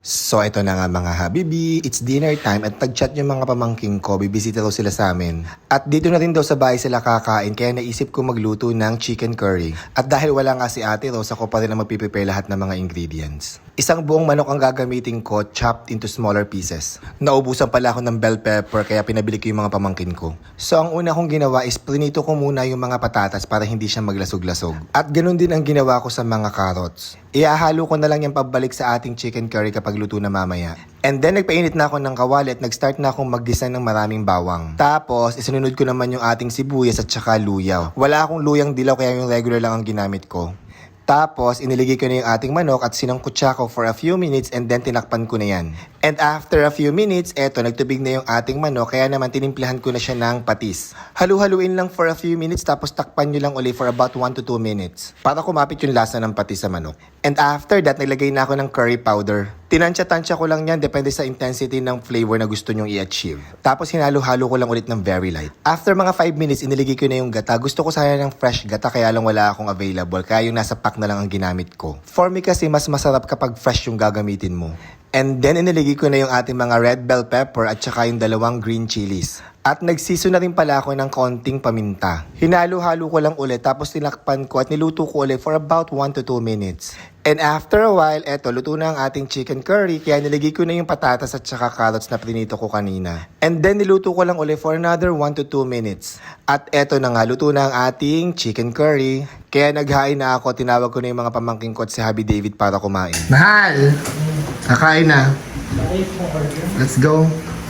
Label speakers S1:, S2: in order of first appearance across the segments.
S1: So ito na nga mga habibi, it's dinner time at nag-chat yung mga pamangking ko, bibisita daw sila sa amin. At dito na rin daw sa bahay sila kakain kaya naisip ko magluto ng chicken curry. At dahil wala nga si Ate Rose, ako pa rin ang magpiprepare lahat ng mga ingredients. Isang buong manok ang gagamitin ko, chopped into smaller pieces. Naubusan pala ako ng bell pepper kaya pinabili ko yung mga pamangkin ko. So ang una kong ginawa is prinito ko muna yung mga patatas para hindi siya maglasog-lasog. At ganun din ang ginawa ko sa mga carrots. Iahalo ko na lang yung pabalik sa ating chicken curry kapag luto na mamaya. And then nagpainit na ako ng kawali at nag-start na akong mag-design ng maraming bawang. Tapos isinunod ko naman yung ating sibuyas at saka luyaw. Wala akong luyang dilaw kaya yung regular lang ang ginamit ko. Tapos, iniligay ko na yung ating manok at sinangkot siya ko for a few minutes and then tinakpan ko na yan. And after a few minutes, eto, nagtubig na yung ating manok kaya naman tinimplahan ko na siya ng patis. Halu-haluin lang for a few minutes tapos takpan nyo lang uli for about 1 to 2 minutes para kumapit yung lasa ng patis sa manok. And after that, naglagay na ako ng curry powder. Tinansya-tansya ko lang yan depende sa intensity ng flavor na gusto nyong i-achieve. Tapos hinalo-halo ko lang ulit ng very light. After mga 5 minutes, iniligay ko na yung gata. Gusto ko sana ng fresh gata kaya lang wala akong available kaya yung nasa pack na lang ang ginamit ko. For me kasi mas masarap kapag fresh yung gagamitin mo. And then iniligay ko na yung ating mga red bell pepper at saka yung 2 green chilies. At nagsiso na rin pala ako ng konting paminta. Hinalo-halo ko lang ulit tapos tinakpan ko at niluto ko ulit for about 1 to 2 minutes. And after a while, eto, luto na ang ating chicken curry kaya niligay ko na yung patatas at saka carrots na prinito ko kanina. And then niluto ko lang ulit for another 1 to 2 minutes. At eto na nga, luto na ang ating chicken curry. Kaya naghain na ako, tinawag ko na yung mga pamangking ko at si Habi David para kumain. Mahal! Kakain na. Let's go.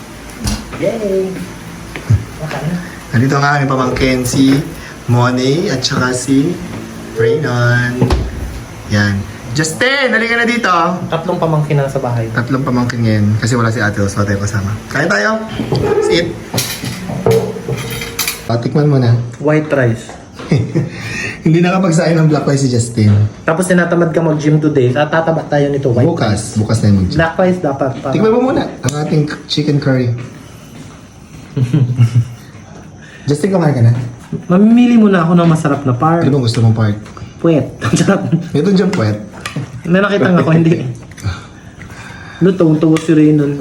S2: Yay!
S1: Nandito ang aming pamangkin, si Monay at saka si Raynon. Yan. Justin, halika na dito.
S2: 3 pamangkin na sa bahay.
S1: 3 pamangkin ngayon kasi wala si Ate Rose, wala tayo kasama. Kain tayo. Sit. Patikman mo na.
S2: White rice.
S1: Hindi nakapagsain ng black rice si Justin.
S2: Tapos tinatamad ka mag-gym today. Tataba tayo nito. White rice.
S1: Bukas na yung mag-gym.
S2: Black rice dapat para...
S1: Tikman mo muna ang ating chicken curry. Justin, kumain ka na?
S2: Mamimili muna ako ng masarap na part.
S1: Ano bang gusto mong part?
S2: Puwet. Ang sarap.
S1: Ito dyan puwet.
S2: May nakita nga ako, hindi. Lutong, si Raynon.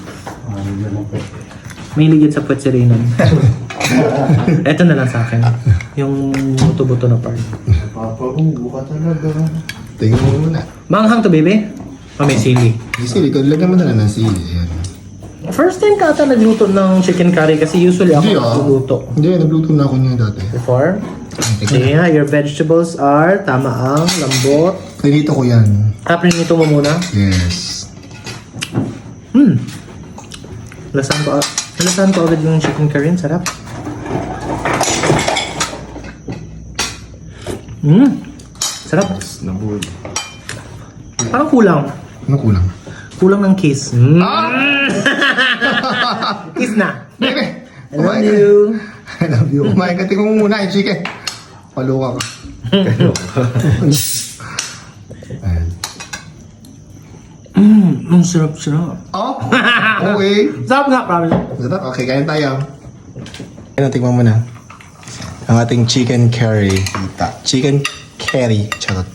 S2: May ligid sa puwet si Raynon. Ito na lang sa akin. Yung buto-buto na part.
S1: Papahubo ka talaga. Tingnan mo muna.
S2: Manghang to, baby? Oh, may sili.
S1: Yung sili, lagyan mo na lang ng sili. Ayan.
S2: First time ka ata nagluto ng chicken curry kasi usually ako nagluluto.
S1: Hindi, nagluto na ako niya dati.
S2: Before? Sige nga, your vegetables are tama ang lambot.
S1: Prinito ko yan.
S2: Prinito mo muna.
S1: Yes.
S2: Lasahan ko agad yung chicken curry. Sarap. Sarap.
S1: Nabud.
S2: Parang kulang.
S1: Ano kulang?
S2: Kulang ng kiss. Kiss na.
S1: Bebe!
S2: I love you.
S1: I love you. Kumain ka, tingnan mo muna yung chicken. Paluka ka. Ayan.
S2: Ang sarap-sarap.
S1: Oh! Okay.
S2: Sarap nga, promise.
S1: Sarap. Okay, kain tayo. Ano, tingnan mo na. Ang ating chicken curry. Chicken curry. Charot.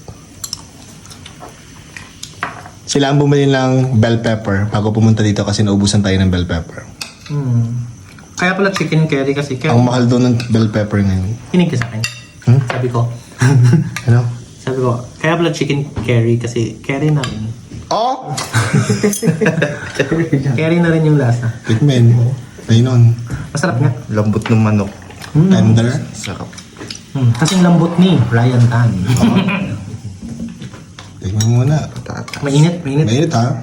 S1: Sila ang bumili ng bell pepper bago pumunta dito kasi naubusan tayo ng bell pepper.
S2: Kaya pala chicken curry kasi
S1: Ang mahal doon ng bell pepper ngayon.
S2: Hinig ka sa akin. Sabi ko.
S1: Ano?
S2: Sabi ko, kaya pala chicken curry kasi curry na rin.
S1: Oh!
S2: Curry na rin yung lasa.
S1: Tikmen. Ayun.
S2: Masarap nga.
S3: Lambot ng manok.
S1: Tender.
S3: Sarap.
S2: Kasing lambot ni Ryan Tan.
S1: Tikman mo muna.
S3: Patatas.
S2: Mainit.
S1: Mainit ha?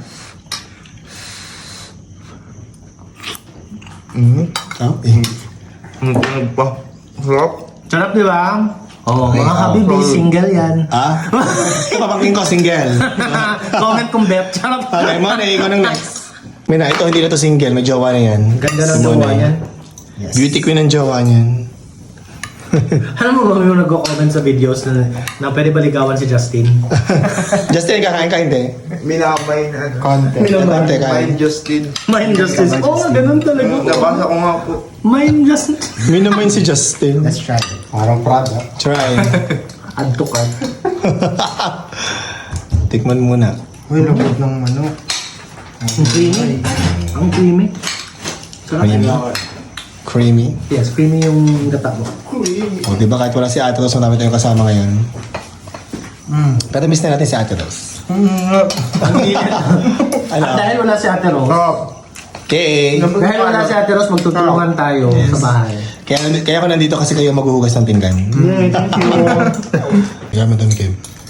S1: Oh,
S3: Tunog pa. Sarap.
S2: Sarap, di ba? Oo, mga habibi, single yan.
S1: Ah? Papangkin ko, single.
S2: Comment kung bet. Sarap.
S1: Okay, Monay, ikaw nang next. Mina, ito hindi na to single. May jowa na yan.
S2: Ganda ng
S1: Si
S2: jowa
S1: Monay.
S2: yan.
S1: Beauty queen ang jowa niyan.
S2: Alam mo ba yung nag-comment sa videos na pwede baligawan si Justin?
S1: Justin, kakain ka hindi?
S3: Minamay na ano.
S1: Content. Content, kain.
S3: Mind Justin.
S2: Mind Justice. Oo, ganun talaga.
S3: Nabasa ko nga po.
S2: Mind Justice.
S1: Minamain si Justin.
S2: Let's try.
S1: Parang Prada. Try.
S2: Add to cart.
S1: Tikman muna.
S3: Uy, lambot ng manok.
S2: Ang creamy. Ang creamy. Sarap
S1: Creamy.
S2: yun.
S1: Creamy.
S2: Yes, creamy yung gata mo.
S1: O, di ba kahit wala si Ate Rose, marami tayong kasama ngayon. Pero miss na natin si Ate Rose.
S2: At dahil wala si Ate Rose,
S3: Sarap.
S1: Okay.
S2: dahil wala si Ate Rose, magtutulungan tayo sa bahay.
S1: Kaya ako nandito kasi kayo maghuhugas ng pinggan.
S2: Thank you.
S1: Kaya madami kayo.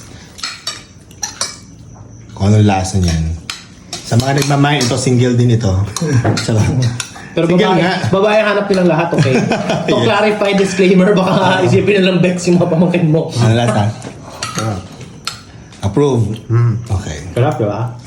S1: Kung anong lasa niyan. Sa mga nagmamain, ito single din ito. Sarap.
S2: Pero
S1: Single
S2: babae,
S1: nga.
S2: babae hanap nilang lahat, okay? To clarify disclaimer, baka isipin nilang Bex yung mga pamangkin mo.
S1: Ano lasa? Approve. Okay.
S2: Sarap, di ba?